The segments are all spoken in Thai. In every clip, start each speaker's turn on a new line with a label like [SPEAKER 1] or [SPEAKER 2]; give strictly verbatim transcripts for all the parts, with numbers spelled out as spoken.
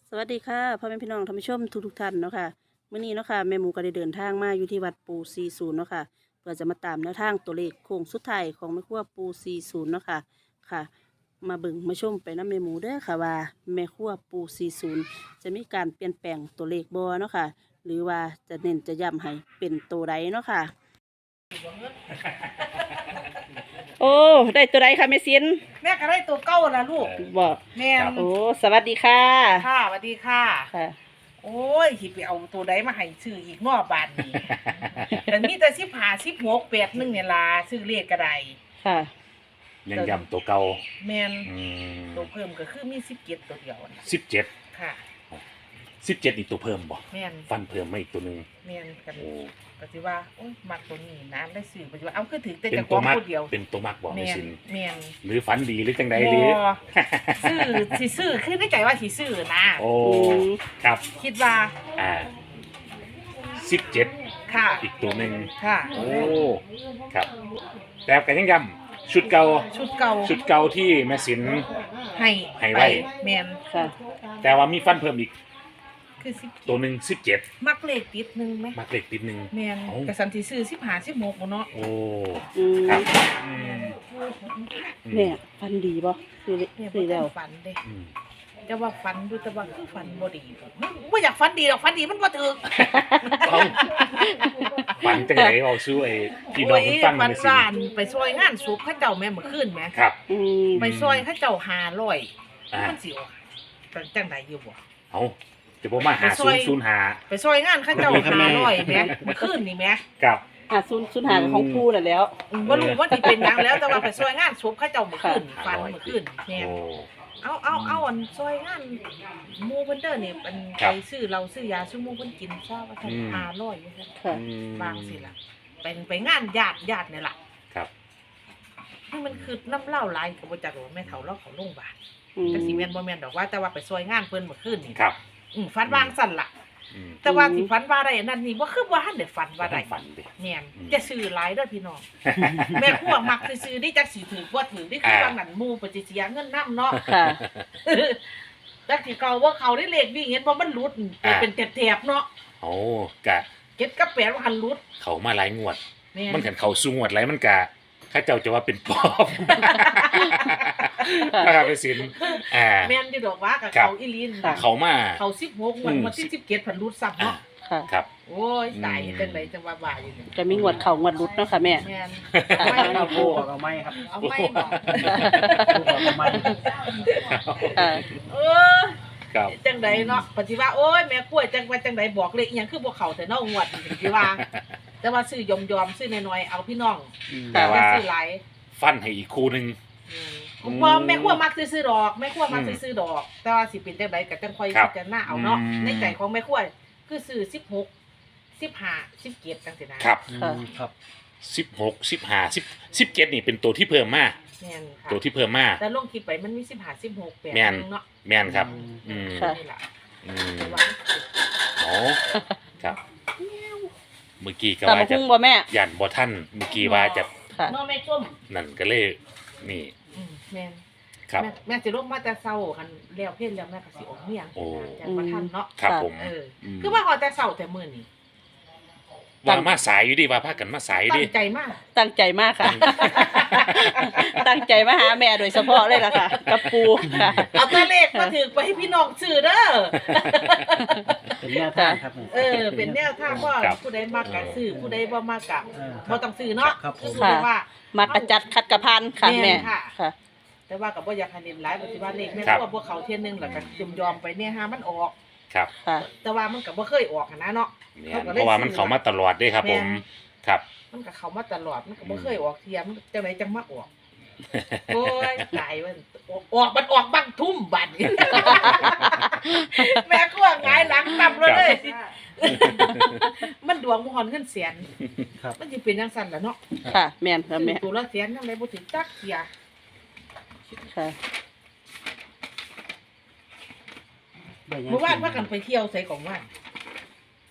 [SPEAKER 1] สวัสดีค่ะพ่อแม่พี่น้องท่านผู้ชมทุกทุกท่านเนาะค่ะมื้อนี้เนาะค่ะแม่หมูก็ได้เดินทางมาอยู่ที่วัดปูสี่สิบเนาะค่ะเพื่อจะมาตามแนวทางตัวเลขโค้งสุดท้ายของแม่ครัวปูสี่สิบเนาะค่ะค่ะ มาเบิ่งมาชมไปน้ำแม่หมูเด้อค่ะว่าแม่ครัวปูสี่สิบจะมีการเปลี่ยนแปลงตัวเลขบ่เนาะค่ะหรือว่าจะเน้นจะย้ำให้เป็นตัวใดเนาะค่ะโอ้ได้ตัวใดค่ะแม่ซิน
[SPEAKER 2] แม่ก็ได้ตัวเก้าละลูก
[SPEAKER 1] บอก
[SPEAKER 2] แม่
[SPEAKER 1] โอ้สวัสดีค่ะ
[SPEAKER 2] ค่ะสวัสดีค่ะ
[SPEAKER 1] ค่ะ
[SPEAKER 2] โอ้ยหิไปเอาตัวใดมาให้ซื้ออีกนอกบ้านนี่แต่มีแต่สิบห้าสิบหกแปดหนึ่งเนี่ยล่ะซื้อเลขก็ได้
[SPEAKER 1] ค่ะ
[SPEAKER 3] ยังย้ำตัวเก่า
[SPEAKER 2] แม่น
[SPEAKER 3] อืม
[SPEAKER 2] ตัวเพิ่มก็คือมีสิบเจ็ดตัวเดียวน่ะ
[SPEAKER 3] สิบเจ็ด
[SPEAKER 2] ค่ะ
[SPEAKER 3] สิบเจ็ดอีกตัวเพิ่มบ่
[SPEAKER 2] แม่น
[SPEAKER 3] ฟันเพิ่มมาอีกตัวหนึ่ง
[SPEAKER 2] แม่นกัน
[SPEAKER 3] โอ้
[SPEAKER 2] ก็สิว่าโอ้ยมักตัวนี้นะได้ซื้อปัจจุบันเอาคือถึงแต่
[SPEAKER 3] เป็น
[SPEAKER 2] จะข
[SPEAKER 3] ตั
[SPEAKER 2] อ
[SPEAKER 3] ว
[SPEAKER 2] ง
[SPEAKER 3] มัก
[SPEAKER 2] ผู้เดียว
[SPEAKER 3] เป็นตัวมักบ่ไม่
[SPEAKER 2] แม่น
[SPEAKER 3] สิน
[SPEAKER 2] แม่น
[SPEAKER 3] หรือฝันดีหรือจังใด
[SPEAKER 2] บ่
[SPEAKER 3] หรือ
[SPEAKER 2] ซื้อสิซื้อคือในใจว่าสิซื้อนะ
[SPEAKER 3] โอ้ครับ
[SPEAKER 2] คิดว่า
[SPEAKER 3] อ่าสิบเจ็ด
[SPEAKER 2] ค่ะ
[SPEAKER 3] อีกตัวหนึ่ง
[SPEAKER 2] ค่ะ
[SPEAKER 3] โอ้ครับแต่กันยังย้ำชุดเก่า
[SPEAKER 2] ชุดเก่า
[SPEAKER 3] ชุดเก่าที่แม่สิน
[SPEAKER 2] ให้
[SPEAKER 3] ให้ไว้
[SPEAKER 2] แมน
[SPEAKER 1] ค่ะ
[SPEAKER 3] แต่ว่ามีฟันเพิ่มอีก
[SPEAKER 2] คือสิบ
[SPEAKER 3] ตัวหนึ่งสิบเจ็ด
[SPEAKER 2] มักเลขติดหนึ่งไหม
[SPEAKER 3] มักเล็กติดหนึ่ง
[SPEAKER 2] แมน
[SPEAKER 3] เอ้า
[SPEAKER 2] กระสันที่ซื้อสิบห้าสิบหกเนาะ
[SPEAKER 3] โอ้
[SPEAKER 1] อืม
[SPEAKER 3] ครับอืมอืม
[SPEAKER 1] เนี่ยฟันดีป่ะคือ
[SPEAKER 2] เนี่ย
[SPEAKER 1] คือ
[SPEAKER 2] บ่
[SPEAKER 1] แล้ว
[SPEAKER 2] ฝันเด้
[SPEAKER 3] อืม
[SPEAKER 2] แต่ว่าฝันดูแต่ว่าคือฝันบ่ดีไม่อยากฝันดีหรอกฝันดีมันบ่ถึก
[SPEAKER 3] เอ้าฝันจังไหนเอาซื้อไอ้พี่น้องมันฟัง
[SPEAKER 2] ฝั
[SPEAKER 3] มัน
[SPEAKER 2] น
[SPEAKER 3] สิ
[SPEAKER 2] ร้านไปซอยงานศพเขาเจ้าแม่เมื่อคืนแหม
[SPEAKER 3] ครับ
[SPEAKER 1] อืม
[SPEAKER 2] ไปซอยเขาเจ้าห้าร้อย
[SPEAKER 3] อ่า
[SPEAKER 2] มันสิออกเป็นจังไดอยู่บ่
[SPEAKER 3] เอาจะบอกมาหา
[SPEAKER 2] ไปซ
[SPEAKER 3] ศู
[SPEAKER 2] อน ย
[SPEAKER 3] ย์ศูนย์หา
[SPEAKER 2] ไปซอยงานเขาเจ้าห้าร้อยแหมเมื่อคืนนี่แหม
[SPEAKER 3] กับ
[SPEAKER 1] อ่ะซุนซุนหาของปูน่ะแล้ว
[SPEAKER 2] อืมบ่รู้ว่าสิเป็นหยังแล้วแต่ว่าไปซอยงานศพเขาเจ้าเมื่อคืน
[SPEAKER 3] ค่ะ
[SPEAKER 2] ฝันเมื่อคืนแม่น
[SPEAKER 3] โอ้
[SPEAKER 2] เอาเอาเอาอันซอยงานหมู่เพิ่นเด้อนี่เป็น
[SPEAKER 3] ครั
[SPEAKER 2] ไป
[SPEAKER 3] บ
[SPEAKER 2] ซื้อเราซื้อยาซื้อหมู่เพิ่นกินซะว่าท่าน
[SPEAKER 3] อืม
[SPEAKER 2] ห้าร้อยว่าซั่น
[SPEAKER 1] ค่ะ
[SPEAKER 3] อืม
[SPEAKER 2] บางสิล่ะเป็นไปงานญาติญาตินี่ล่ะ
[SPEAKER 3] ครับ
[SPEAKER 2] นี่มันคือน้ำเหล้าหลายก็บ่จักว่าแม่เฒ่าเราเขาโรงพยาบาล
[SPEAKER 1] อืม
[SPEAKER 2] จักสิแม่นบ่แม่นดอกว่าแต่ว่าไปซอยงานเพิ่นเมื่อคืนนี่
[SPEAKER 3] ครับ
[SPEAKER 2] อืมฝันวางสั่นล่ะ
[SPEAKER 3] อืม
[SPEAKER 2] แต่ว่าสิฝันว่าได้อันนั่นนี่บ่คือว่าทันได้ฝันว่าได้
[SPEAKER 3] ฝันดิ
[SPEAKER 2] แม่น
[SPEAKER 3] อืม
[SPEAKER 2] จะซื้อหลายเด้อพี่น้อง แม่ครัวมักซื้อๆนี่จักสิถือบ่ถือนี่คือ
[SPEAKER 3] อ่า
[SPEAKER 2] บางนั้นหมู่ปฏิเสียเงินนำเนาะ
[SPEAKER 1] ค่ะ
[SPEAKER 2] จักสิเก่าว่าเขาได้เลขวิ่งเห็นบ่มันหลุดเป็นแถบๆเนาะ
[SPEAKER 3] โอ้กะ
[SPEAKER 2] เจ็ดกับแปดว่าหันหลุด
[SPEAKER 3] เขามาหลายงวด
[SPEAKER 2] แม่น
[SPEAKER 3] มันกันเขาสู้งวดไรมันกะข้าเจ้าจะว่าเป็นปอบ นะครับไปสินอ่า
[SPEAKER 2] แม่นอยู่ดอกว่ากับ
[SPEAKER 3] ครับ
[SPEAKER 2] เขาอีหลีน
[SPEAKER 1] ค่ะ
[SPEAKER 3] เขามา
[SPEAKER 2] เขาสิบหกวัน
[SPEAKER 3] อืม
[SPEAKER 2] วันที่สิบเจ็ดพันหลุดซ้ำ
[SPEAKER 3] อ่า
[SPEAKER 2] เนาะ
[SPEAKER 1] ค่ะ
[SPEAKER 3] ครับ
[SPEAKER 2] โอ้ยตาย
[SPEAKER 3] อืม
[SPEAKER 2] จังไดจังว่าบ่าอยู่นี่
[SPEAKER 1] จะมีงวดเข่างวดรุดเนาะค่ะแม่
[SPEAKER 2] แม่น
[SPEAKER 1] ค่ะ
[SPEAKER 2] ไม่
[SPEAKER 4] เอา
[SPEAKER 2] เอา
[SPEAKER 4] โบออกเอาไม้ครับ
[SPEAKER 2] เอาไม่บอก
[SPEAKER 4] โบออกเอาไม้
[SPEAKER 1] ค่ะ
[SPEAKER 2] เออ
[SPEAKER 3] ครับ
[SPEAKER 2] จังไดเนาะปฏิว่าโอ้ยแม่กล้วยจังว่าจังไดบอกเลขอีหยังคือบ่เข้าแต่เนาะงวดนี่สิว่า แต่ว่าซื้อยอมๆซื้อน้อยๆเอาพี่น้อง
[SPEAKER 3] แต่ว่า
[SPEAKER 2] ซื้อหลาย
[SPEAKER 3] ฟันให้อีกคู่หนึ่ง
[SPEAKER 2] อืม
[SPEAKER 3] อืม
[SPEAKER 2] ว่าแม่ครัวมักซื้อๆดอกแม่ครัวมัก
[SPEAKER 3] อืม
[SPEAKER 2] ซื้อๆดอก แต่ว่าสิเป็นจังไดก็จังค่อย
[SPEAKER 3] ครับ
[SPEAKER 2] พิจารณาเอาเนาะ
[SPEAKER 3] อืม
[SPEAKER 2] ในใจของแม่ครัวคือซื้อสิบหก สิบห้า สิบเจ็ดจังซี่นะครับ
[SPEAKER 1] ค่ะ
[SPEAKER 4] ครับ
[SPEAKER 3] สิบหกสิบห้าสิบสิบเจ็ดนี่เป็นตัวที่เพิ่มมา
[SPEAKER 2] แม่นค่ะ
[SPEAKER 3] ตัวที่เพิ่มมา
[SPEAKER 2] แต่ลงคลิปไปมันมีสิบห้า สิบหก แปด
[SPEAKER 3] แม่น
[SPEAKER 2] เนาะ
[SPEAKER 3] แม่นครับ อืม
[SPEAKER 1] ค่ะ
[SPEAKER 2] นี่ล่ะ
[SPEAKER 3] อืม
[SPEAKER 2] แต่ว่า
[SPEAKER 3] อ๋อครับ เมื่อกี้ก็
[SPEAKER 1] ตาม
[SPEAKER 3] ว่า
[SPEAKER 1] มา
[SPEAKER 3] จะ
[SPEAKER 1] คุ้งบ่แม่
[SPEAKER 3] ยันบ่ท่านเมื่อกี้ว่าจะ
[SPEAKER 1] ค่ะ
[SPEAKER 2] เนาะแม่ส้ม
[SPEAKER 3] นั่นก็เลยนี่
[SPEAKER 2] อืมแม่น
[SPEAKER 3] ครับ
[SPEAKER 2] แม่แม่สิลงมาแต่เช้าคันแล้วเพิ่นแล้วแม่ก็สิออกเมียง
[SPEAKER 3] โอ้
[SPEAKER 2] จังว่าทันเนาะ
[SPEAKER 3] ครับ
[SPEAKER 1] ค่ะ
[SPEAKER 3] ผม
[SPEAKER 2] เออ
[SPEAKER 3] ม
[SPEAKER 2] คือว่าฮอดแต่เช้าแต่มื้อนี้
[SPEAKER 3] ว่ามาสายอยู่ดิว่าพากันมาสาย
[SPEAKER 2] ตั้
[SPEAKER 3] ดิ
[SPEAKER 2] งใจมาก
[SPEAKER 1] ตั้งใจมากค่ะ ตั้งใจมาหาแม่โดยเฉพาะเลยล่ะค่ะ กับปูค่ะ
[SPEAKER 2] เอาตัวเลขมาถือไปให้พี่น้องซื้อเด้อ
[SPEAKER 4] เป็นแนวทางครับ
[SPEAKER 2] เออ เป็นแนวทางว่า
[SPEAKER 3] ครับ
[SPEAKER 2] ผู้ใดมากกะซื้อผู้ใดบ่มากกะ
[SPEAKER 4] เออค
[SPEAKER 2] บ่
[SPEAKER 4] รับ
[SPEAKER 2] ต้องซื้อเนาะ
[SPEAKER 4] ครับผม
[SPEAKER 2] คือว่า
[SPEAKER 1] มากระจัดคัดกระพันค่ะ
[SPEAKER 2] แม่
[SPEAKER 1] แม่
[SPEAKER 2] นค่ะ
[SPEAKER 1] ค่ะ
[SPEAKER 2] แต่ว่าก็บ่อยากให้เน้นหลายปฏิว่าเลขแม่
[SPEAKER 3] ครับ
[SPEAKER 2] ตัวบ่เข้าเที่ยนึงแล้วก็ยอมยอมๆไปเนี่ยหามันออก
[SPEAKER 3] ครับ
[SPEAKER 1] ค่ะ
[SPEAKER 2] แต่ว่ามันก็บ่เคยออกหั้นนะเนาะ
[SPEAKER 3] เนี่ย
[SPEAKER 2] เขาก็เลย
[SPEAKER 3] เพราะว่ามันเขามาตลอดเด้ครับ ผม
[SPEAKER 2] แม่น
[SPEAKER 3] ครับ
[SPEAKER 2] มันก็เข้ามาตลอดมันก็บ่เคยออกเที่ยมันจังไดจังมาออก โอ้ยตายมันออกมันออกบังทุ่มบัดนี้ แม่กลัวหงายหลังตับเลย มันดวงบ่ฮอนเงินแสน
[SPEAKER 4] ครับ
[SPEAKER 2] มันสิเป็นจังซั่นล่ะเนาะ
[SPEAKER 1] ค่ะ แม่นค่ะแม่
[SPEAKER 2] ตัวละแสนทำไมบ่ถึงจักเที่ย
[SPEAKER 1] ค่ะ
[SPEAKER 4] ได้ยัง
[SPEAKER 2] เมื่อวานว่ากันไปเที่ยวไสของว่าน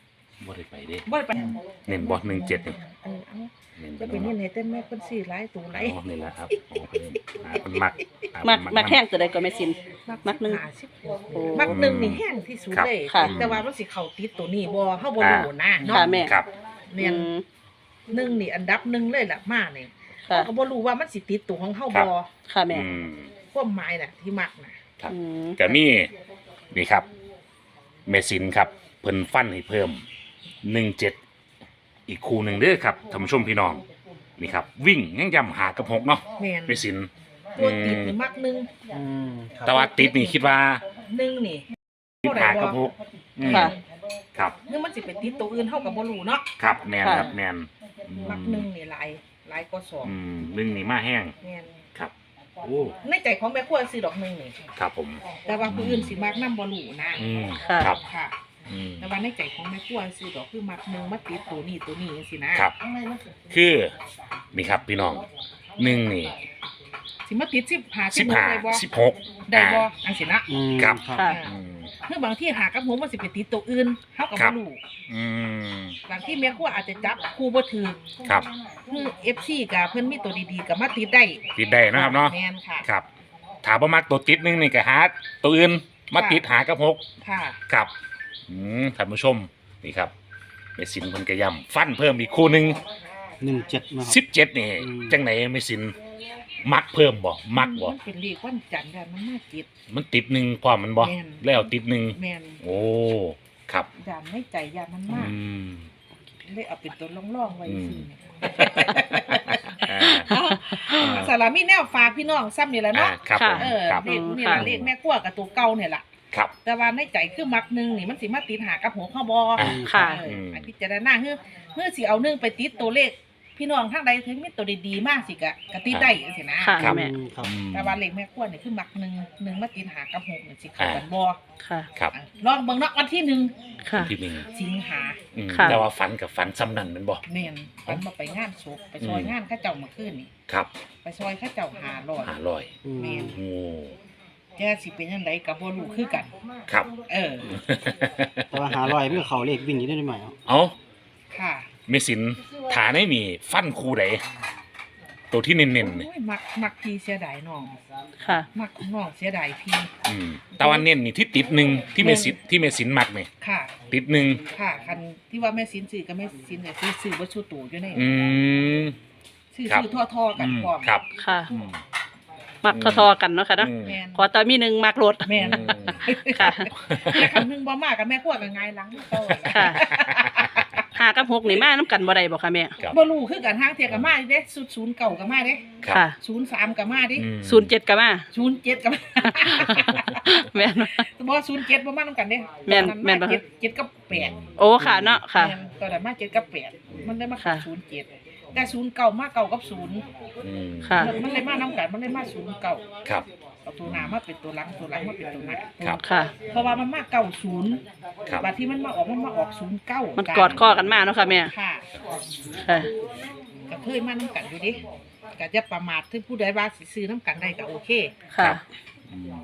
[SPEAKER 3] บ่ได้ไปเด้
[SPEAKER 2] บ่ได้ไป
[SPEAKER 3] เน้นบ่หนึ่งเจ็ดนี่
[SPEAKER 2] เออเอา
[SPEAKER 3] เน้น
[SPEAKER 2] จะเป็นนี่ไหนเต้นแม่เพิ่นซื้อหลายตัวหลาย
[SPEAKER 3] อ๋อนี่แหละครับอ๋อเพิ่นหาเพิ่นมักหา
[SPEAKER 1] มัก
[SPEAKER 3] เพิ่น
[SPEAKER 1] มักแห้งตัวใดก็ไม่สิน มักหนึ่ง
[SPEAKER 2] ห้าสิบ
[SPEAKER 1] โอ้
[SPEAKER 2] มักหนึ่งนี่แห้งที่สุด
[SPEAKER 3] ครับ
[SPEAKER 2] เลย
[SPEAKER 1] ค่ะ
[SPEAKER 2] แต่ว่ามันสิเข้าติดตัวนี้บ่เฮาบ่รู้นะเนาะ
[SPEAKER 1] ค่ะแม่
[SPEAKER 3] ครับ
[SPEAKER 2] แม่น
[SPEAKER 1] อืม
[SPEAKER 2] หนึ่งนี่อันดับหนึ่งเลยล่ะมาเนี่ย
[SPEAKER 1] ค่ะ
[SPEAKER 2] เขาก็บ่รู้ว่ามันสิติดตัวของเฮา
[SPEAKER 3] ครับ
[SPEAKER 2] บ่
[SPEAKER 1] ค่ะแม่
[SPEAKER 3] อืม
[SPEAKER 2] ความหมายน่ะที่มักน่ะ
[SPEAKER 3] ครับ
[SPEAKER 1] อืม
[SPEAKER 3] ก็มีนี่ครับเมซินครับเพิ่นฟันให้เพิ่มหนึ่งเจ็ดอีกคู่หนึ่งเด้อครับท่านผู้ชมพี่น้องนี่ครับ วิ่งยังย้ำหากับหกเนาะ
[SPEAKER 2] แม่น
[SPEAKER 3] เมซิน
[SPEAKER 2] ตัวติดนี่มักหนึ่ง
[SPEAKER 4] อืมครับ
[SPEAKER 3] แต่ว่าติดนี่คิดว่า
[SPEAKER 2] หนึ่งนี่
[SPEAKER 3] ติดหากับหกอืม
[SPEAKER 1] ค่ะ
[SPEAKER 3] ครับ
[SPEAKER 2] นึกมันสิไปติดตัวอื่นเฮาก็บ่รู้เนาะ
[SPEAKER 3] ครับแมน
[SPEAKER 1] ค่ะ
[SPEAKER 3] ครับแมนอืม
[SPEAKER 2] มักหนึ่งนี่หลายหลายกว่าสอง
[SPEAKER 3] อืมหนึ่งนี่มาแห้ง
[SPEAKER 2] แม่น
[SPEAKER 3] ครับโอ้
[SPEAKER 2] ในใจของแม่ครัวซื้อดอกหนึ่งนี่
[SPEAKER 3] ครับผม
[SPEAKER 2] แต่ว่าผู้อื่นสิมักนำบ่รู้นะ
[SPEAKER 3] อืม
[SPEAKER 1] ค่ะ
[SPEAKER 3] ครับ
[SPEAKER 2] ค่ะ
[SPEAKER 3] อืม
[SPEAKER 2] แต่ว่าในใจของแม่ครัวซื้อดอกคือมักหนึ่งมาติดตัวนี้ตัวนี้จังซี่นะครับ
[SPEAKER 3] คือนี่ครับพี่น้องหนึ่งนี่
[SPEAKER 2] สิมาติดสิบห้า
[SPEAKER 3] สิบห้า
[SPEAKER 2] ได้บ่
[SPEAKER 3] สิบหก
[SPEAKER 2] ได้บ่จังซี่นะ
[SPEAKER 4] อืม
[SPEAKER 3] ครับ
[SPEAKER 4] ครับ
[SPEAKER 1] ค่ะ
[SPEAKER 3] อืม
[SPEAKER 2] คือบางที่หากับผมมันสิไปติดตัวอื่นเฮาก็
[SPEAKER 3] ครั
[SPEAKER 2] บ่
[SPEAKER 3] บ
[SPEAKER 2] รู้
[SPEAKER 3] อืม
[SPEAKER 2] บางที่แม่ครัวอาจจะจับคู่บ่ถือ
[SPEAKER 3] ครับ
[SPEAKER 2] คือ เอฟ ซี ก็เพิ่นมีตัวดีๆก็มาติดได้
[SPEAKER 3] ติดได้นะครับเนาะ
[SPEAKER 2] แม่นค่ะ
[SPEAKER 3] ครับถามว่ามักตัวติดหนึงนี่ก็หาตัวอื่นมาติดหากับหก
[SPEAKER 2] ค่ะ
[SPEAKER 3] ครับอืมท่านผู้ชมนี่ครับเมสินเพิ่นกระยำฟันเพิ่มอีกคู่หนึ่ง
[SPEAKER 4] หนึ่งเจ็ดนะค
[SPEAKER 3] สิ
[SPEAKER 4] รับบ
[SPEAKER 3] เจ็ดนี่
[SPEAKER 4] อืม
[SPEAKER 3] จังไหนเมสินมักเพิ่มบ่มักบ่
[SPEAKER 2] นเป็นเลขวันจันทร์ค่ะมันมาติด
[SPEAKER 3] มันติดหนึ่งความมันบ่
[SPEAKER 2] แม่น
[SPEAKER 3] แล้วติดหนึ่ง
[SPEAKER 2] แม่น
[SPEAKER 3] โอ้ครับ
[SPEAKER 2] ยานในใจยานมัน
[SPEAKER 3] อื
[SPEAKER 2] มาก
[SPEAKER 3] ม
[SPEAKER 2] เลยเอาเป็นตัวร่องๆไว้
[SPEAKER 3] อืม
[SPEAKER 2] ซื่อเนี่ย
[SPEAKER 3] อ่า
[SPEAKER 2] เอาสารามีแนวฝากพี่น้องซ้ำนี่แหละ
[SPEAKER 3] อ่า
[SPEAKER 2] เนาะ
[SPEAKER 3] ครับผม
[SPEAKER 2] เออ
[SPEAKER 3] ครับ
[SPEAKER 2] เลขนี่ล่ะเลขแม่ครัวกับตัวเก่าเนี่ยล่ะ
[SPEAKER 3] ครับ
[SPEAKER 2] แต่ว่าในใจคือมักหนึงนี่มันสิมาติดหากับหัวข้อบอ
[SPEAKER 3] อ่า
[SPEAKER 1] ค่ะ
[SPEAKER 2] เออ
[SPEAKER 3] ม
[SPEAKER 2] อันพิจารณาคือเมื่อสิเอาหนึ่งไปติดตัวเลข พี่น้องทางใดถึงมีตัวดีๆมากสิกะกะติดได้จังซี่นะ
[SPEAKER 1] ค่ะ
[SPEAKER 3] ครับ
[SPEAKER 1] แม่
[SPEAKER 4] อืมครับ
[SPEAKER 3] อืม
[SPEAKER 2] แต่ว่าเลขแม่ครัวนี่คือมักหนึ่งหนึ่งมาติดหากับหกนี่สิเข้ากันบ่
[SPEAKER 1] ค่ะ
[SPEAKER 3] ครับ
[SPEAKER 2] อ่ะลองเบิ่งเนาะวันที่หนึ่ง
[SPEAKER 1] ค่ะ
[SPEAKER 3] ที่หนึ่ง
[SPEAKER 2] สิงหา
[SPEAKER 3] อืม
[SPEAKER 1] ค่ะ
[SPEAKER 3] แต่ว่าฝันกับฝันซ้ำนั่นแมันบ่
[SPEAKER 2] แม่นมันมาไปงานศพไปซอย
[SPEAKER 3] อืม
[SPEAKER 2] งานเข้าเจ้าเมื่อคืนนี่
[SPEAKER 3] ครับ
[SPEAKER 2] ไปซอยเข้าเจ้าหาร้อย
[SPEAKER 3] หาลอย
[SPEAKER 4] อืม
[SPEAKER 2] แม่น
[SPEAKER 3] โอ้
[SPEAKER 2] แกสิเป็นจังไดก็บ่รู้คือกัน
[SPEAKER 3] ครับ
[SPEAKER 2] เออ
[SPEAKER 4] แต่ว่าหาลอยเพื่อเขาเลขวิ่งอยู่ได้ไหมครับ
[SPEAKER 3] เอา
[SPEAKER 2] ค่ะ
[SPEAKER 3] เมสินฐานไม่มีฟันคูใดตัวที่เน้นๆนี่
[SPEAKER 2] โอ้ยมักมักพี่เสียดายน้อง
[SPEAKER 1] ค่ะ
[SPEAKER 2] มักน้องเสียดายพี่
[SPEAKER 3] อืมแต่ว่าเน้นนี่ที่ติดหนึ่งที่เมสินที่เมสินมักนี่
[SPEAKER 2] ค่ะ
[SPEAKER 3] ติดหนึ่ง
[SPEAKER 2] ค่ะคันที่ว่าแม่สินซื้อกับแม่สินเนี่ยซื้อซื้อบ่ชูตู่อยู่ใน
[SPEAKER 3] อืม
[SPEAKER 2] ซื้อ
[SPEAKER 3] ครับ
[SPEAKER 2] ซื้อทั่วๆกัน
[SPEAKER 3] อืม
[SPEAKER 2] พร้อม
[SPEAKER 3] ครับ
[SPEAKER 1] ค่ะ
[SPEAKER 3] อืม
[SPEAKER 1] มักทอๆกันเนาะค่ะเนาะ
[SPEAKER 3] อืม
[SPEAKER 2] แม่น
[SPEAKER 1] ขอตอนมีหนึ่งมักรถ
[SPEAKER 2] แม่น
[SPEAKER 3] อืม
[SPEAKER 1] ค่ะ
[SPEAKER 2] แต่คันหนึงบ่มากับแม่ครัวก็ง่ายหลังโต
[SPEAKER 1] ค่ะ หากับหกนี่มาน้ำกันบ่ได้บ่ค่ะแม่
[SPEAKER 3] ครับ
[SPEAKER 2] บ่รู้คือกันทางเที่ยก็มาเด้ศูนย์ศูนย์เก้าก็มาเด้
[SPEAKER 3] ครับ
[SPEAKER 1] ค่ะ
[SPEAKER 2] ศูนย์สามก็มาเด้
[SPEAKER 3] อืม
[SPEAKER 1] ศูนย์เจ็ดก็มา
[SPEAKER 2] ศูนย์เจ็ดก็มา
[SPEAKER 1] แม่นบ่
[SPEAKER 2] บ่ศูนย์เจ็ดบ่มานํกันเด้
[SPEAKER 1] แม่น
[SPEAKER 2] ตอ
[SPEAKER 1] แม่นบ่
[SPEAKER 2] าเจ็ดเจ็ดกับแปด
[SPEAKER 1] โอ้ค่ะเนาะค่ะ
[SPEAKER 2] แม่นตอนนั้นมาเจ็ดกับแปดมันได้มาเข้า
[SPEAKER 1] ค่ะ
[SPEAKER 2] ศูนย์เจ็ดแต่ศูนย์เก้ามาเก้ากับศูนย์
[SPEAKER 3] อืม
[SPEAKER 1] ค่ะ
[SPEAKER 2] มันเลยมานํกันมันเลยมาศูนย์เก้า
[SPEAKER 3] ครับ
[SPEAKER 2] เอาตัวหน้ามาเป็นตัวหลังตัวหลังมาเป็นตัวหน้า
[SPEAKER 3] ครับ
[SPEAKER 1] ค่ะ
[SPEAKER 2] เพราะว่ามันมาเก้าศูนย์
[SPEAKER 3] ครับ
[SPEAKER 2] บัดที่มันมาออกมันมาออกศูนย์เก้า
[SPEAKER 1] มั
[SPEAKER 2] มัน
[SPEAKER 1] กอดข้อกันมาเนาะค่ะแม่
[SPEAKER 2] ค่ะ
[SPEAKER 1] ค่ะ
[SPEAKER 2] ก็เคยมานํกันอยู่ดิก็จะประมาทถึงผู้ใดว่าสิซื้อนํกันได้ก็โอเค
[SPEAKER 1] ค่ะ
[SPEAKER 3] อืม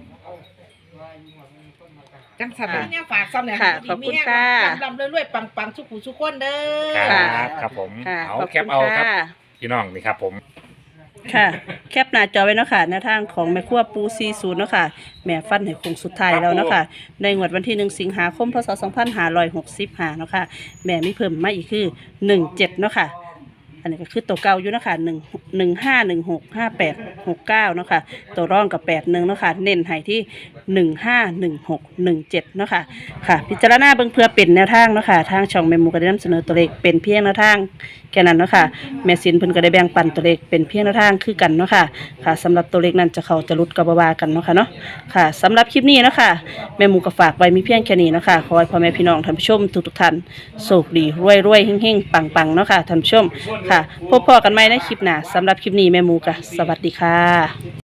[SPEAKER 2] จังสัน
[SPEAKER 1] ค่ะ
[SPEAKER 2] เนี่ยฝากซ้ำเนี่ย
[SPEAKER 1] ค่ะขอบคุณค่ะ
[SPEAKER 2] ลำๆเรื่อยๆปังๆสุขุสุขคนเด้อ
[SPEAKER 3] ครับครับผม
[SPEAKER 1] ค่ะ
[SPEAKER 3] เอา
[SPEAKER 1] ขอบ
[SPEAKER 3] แค
[SPEAKER 1] คุ
[SPEAKER 3] ป
[SPEAKER 1] ณ
[SPEAKER 3] เอาครับ
[SPEAKER 1] ค่ะ
[SPEAKER 3] พี่น้องนี่ครับผม
[SPEAKER 1] ค่ะ แคปหน้าจอไว้เนาะค่ะหน้าทางของแม่ครัวปูซีศูนย์เนาะค่ะ แม่ฟันให้คงสุดท้ายแล้วเนาะค่ะ ในงวดวันที่หนึ่งสิงหาคมพศสองพันห้าร้อยหกสิบห้าเนาะค่ะ แม่ไม่เพิ่มมาอีกคือหนึ่งเจ็ดเนาะค่ะ อันนี้ก็คือตัวเก่าอยู่เนาะค่ะหนึ่งหนึ่งห้าหนึ่งหกห้าแปดหกเก้าเนาะค่ะ ตัวร่องกับแปดหนึ่งเนาะค่ะ เน้นให้ที่หนึ่งห้าหนึ่งหกหนึ่งเจ็ดเนาะค่ะ ค่ะ พิจารณาเบิ่งเพื่อเป็นแนวทางเนาะค่ะ ทางช่องแม่หมูก็ได้นำเสนอตัวเลขเป็นเพียงแนวทางแค่นั้นเนาะค่ะ แม่สินเพิ่นก็ได้แบ่งปันตัวเลขเป็นเพียงแนวทางคือกันเนาะค่ะ ค่ะสำหรับตัวเลขนั้นจะเข้าจะหลุดก็บ่ว่ากันเนาะค่ะเนาะ ค่ะสำหรับคลิปนี้เนาะค่ะแม่หมูก็ฝากไว้มีเพียงแค่นี้เนาะค่ะขอให้พ่อแม่พี่น้องท่านผู้ชมทุกๆท่านโชคดีรวยๆเฮงๆปังๆเนาะค่ะท่านผู้ชมค่ะพบพอกันใหม่ในคลิปหน้าสำหรับคลิปนี้แม่หมูก็สวัสดีค่ะ